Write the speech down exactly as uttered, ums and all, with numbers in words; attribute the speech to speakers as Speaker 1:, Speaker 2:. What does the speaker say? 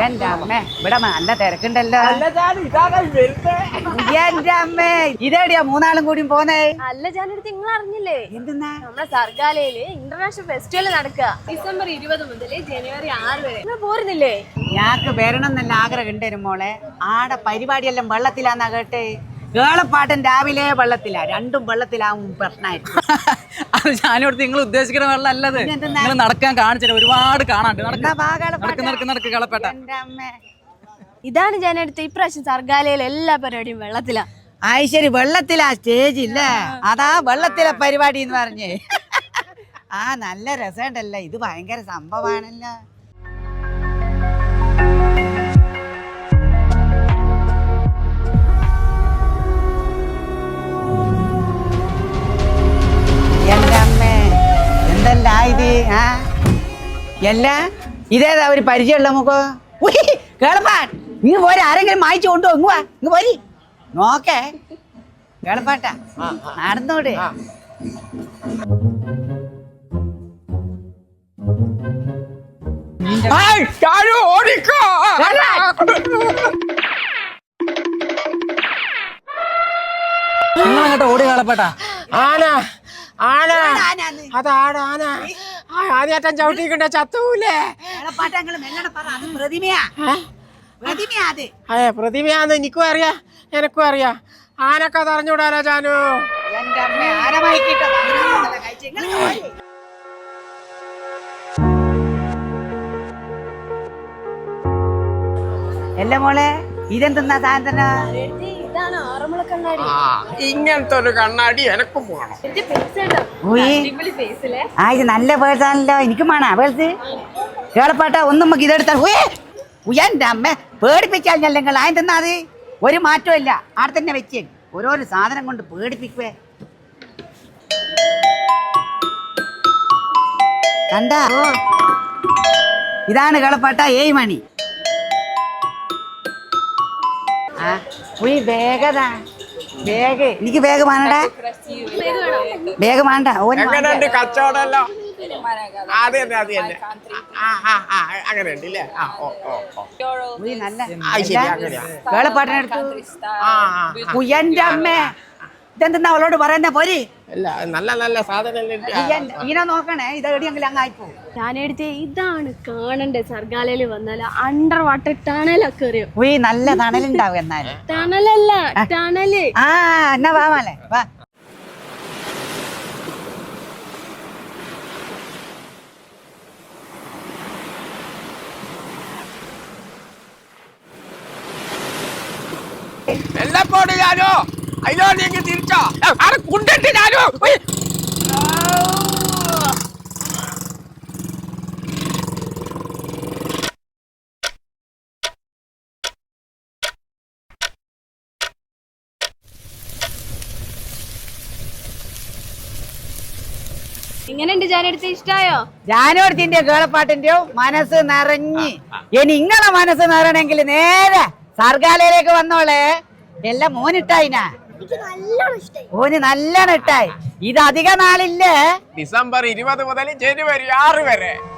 Speaker 1: എന്റെ അമ്മ ഇവിടെ നല്ല തിരക്കുണ്ടല്ലോ. എന്റെ അമ്മ ഇതെവിടെയാ മൂന്നാളും കൂടി പോന്നേ?
Speaker 2: അല്ല ജാനടുത്ത് നിങ്ങൾ അറിഞ്ഞില്ലേ?
Speaker 1: എന്തെന്നാ?
Speaker 2: നമ്മുടെ സർഗാലയില് ഇന്റർനാഷണൽ ഫെസ്റ്റിവൽ നടക്കുക ഡിസംബർ ഇരുപത് മുതൽ ജനുവരി ആറ് വരെ. നിങ്ങൾ പോരുന്നില്ലേ?
Speaker 1: ഞാക്ക് വരണം എന്നല്ല ആഗ്രഹം ഉണ്ടായിരുന്നു മോളെ. ആടെ പരിപാടിയെല്ലാം വെള്ളത്തിലാന്നാ കേട്ടെ. കേളപ്പാട്ടൻ രാവിലെ വെള്ളത്തിലാ, രണ്ടും വെള്ളത്തിലാവും പ്രശ്നമായിട്ട്.
Speaker 3: അത് ഞാനിവിടുത്തെ നിങ്ങൾ ഉദ്ദേശിക്കുന്ന വെള്ളം അല്ലത്. നിങ്ങൾ നടക്കാൻ കാണിച്ചിട്ട് ഒരുപാട് കാണാണ്ട്. നടക്ക് നടക്ക് നടക്ക് കേളപ്പേട്ട.
Speaker 2: ഇതാണ് ജാനടുത്ത് ഇപ്രാവശ്യം സർഗാലയിലെ എല്ലാ പരിപാടിയും വെള്ളത്തിലാ.
Speaker 1: ആയി ശരി, വെള്ളത്തിലാ സ്റ്റേജ് ഇല്ലേ? അതാ വെള്ളത്തിലെ പരിപാടി എന്ന് പറഞ്ഞേ. ആ നല്ല രസമുണ്ടല്ലോ, ഇത് ഭയങ്കര സംഭവമാണല്ലോ. എന്തല്ലാ ഇത്? ആ എല്ലാ ഇതേതാ ഒരു പരിചയമുള്ള നമുക്ക് കേളപ്പാൻ ഇങ്ങ് പോരെ. ആരെങ്കിലും മായിച്ചു കൊണ്ടുപോ. ഇങ്ങ് വാ, ഇങ്ങ് പോരി. നോക്കേ കേളപ്പാട്ട നടന്നോട്.
Speaker 3: നിങ്ങളങ്ങോട്ട് ഓടി കേളപ്പേട്ട.
Speaker 4: ആന ആന അത് ആട ആന ആദ്യാറ്റം ചവിട്ടിക്കണ്ട ചത്തൂലേ? അതെ പ്രതിമയാന്ന് എനിക്കും അറിയാ, എനക്കും അറിയാ. ആനൊക്കെ അറിഞ്ഞൂടാലോ ജാനു.
Speaker 1: എല്ലാ മോളെ ഇതെന്തെന്നാ സാധന?
Speaker 4: ഇങ്ങനത്തെ ഒരു കണ്ണാടി എനക്കും പോകണം.
Speaker 1: ആ ഇത് നല്ല പേഴ്സാണല്ലോ, എനിക്കും വേണ പേഴ്സ്. കേളപ്പാട്ട ഒന്നും നമുക്ക് ഇതെടുത്താൽ എന്റെ അമ്മ പേടിപ്പിച്ചാൽ ഞല്ലെങ്കിൽ ആദ്യം തന്നാ അത് ഒരു മാറ്റവും ഇല്ല. അവിടെ തന്നെ വെച്ചേ ഓരോരോ സാധനം കൊണ്ട് പേടിപ്പിക്കുവേ. കണ്ടാ? ഇതാണ് കേളപ്പാട്ട ഏഴ് മണി. ആ ഉയ് വേഗതാ വേഗ എനിക്ക് വേഗം വേണടാ, വേഗം വേണ്ട.
Speaker 4: എങ്ങനെയുണ്ട് കച്ചവടമല്ലോ? അതെ തന്നെ അത് തന്നെ. അങ്ങനെ ഉണ്ടല്ലേ?
Speaker 1: കേളപ്പാട്ടിനെടുത്തു. എന്റെ അമ്മേ ഇതെന്താ അവളോട് പറയുന്ന പോരി?
Speaker 4: നല്ല നല്ല സാധനം
Speaker 1: ഇങ്ങനെ നോക്കണേ, ഇത് എവിടെയെങ്കിലും അങ്ങായിപ്പോ.
Speaker 2: ഞാനെടുത്ത് ഇതാണ് കാണണ്ടേ സർഗാലയില് വന്നാല് അണ്ടർ വാട്ടർ ടണലൊക്കെ അറിയോ?
Speaker 1: ഉയ് നല്ല തണലുണ്ടാവും. എന്നാലും
Speaker 2: ടണലല്ല ടണല്.
Speaker 1: ആ എന്നാ വാ മോളെ വാ.
Speaker 4: എല്ലാം പോട് ഞാനോ അതിലോ നീങ്ങി തിരിച്ചോ അവിടെ കുണ്ടിട്ട് ഞാനോ.
Speaker 2: എങ്ങനെയുണ്ട് ജാനടുത്ത്? ഇഷ്ടായോ?
Speaker 1: ജാനോടത്തിന്റെ കേളപ്പാട്ടിന്റെയോ മനസ്സ് നിറഞ്ഞ്. ഇനി ഇങ്ങളെ മനസ്സ് നിറയണമെങ്കിൽ നേരെ സർഗാലയിലേക്ക് വന്നോളെ. എല്ലാം മോനിട്ടായിനാ, ഓന് നല്ലോണം ഇട്ടായി. ഇത് അധിക നാളില്ലേ?
Speaker 4: ഡിസംബർ ഇരുപത് മുതൽ ജനുവരി ആറ് വരെ.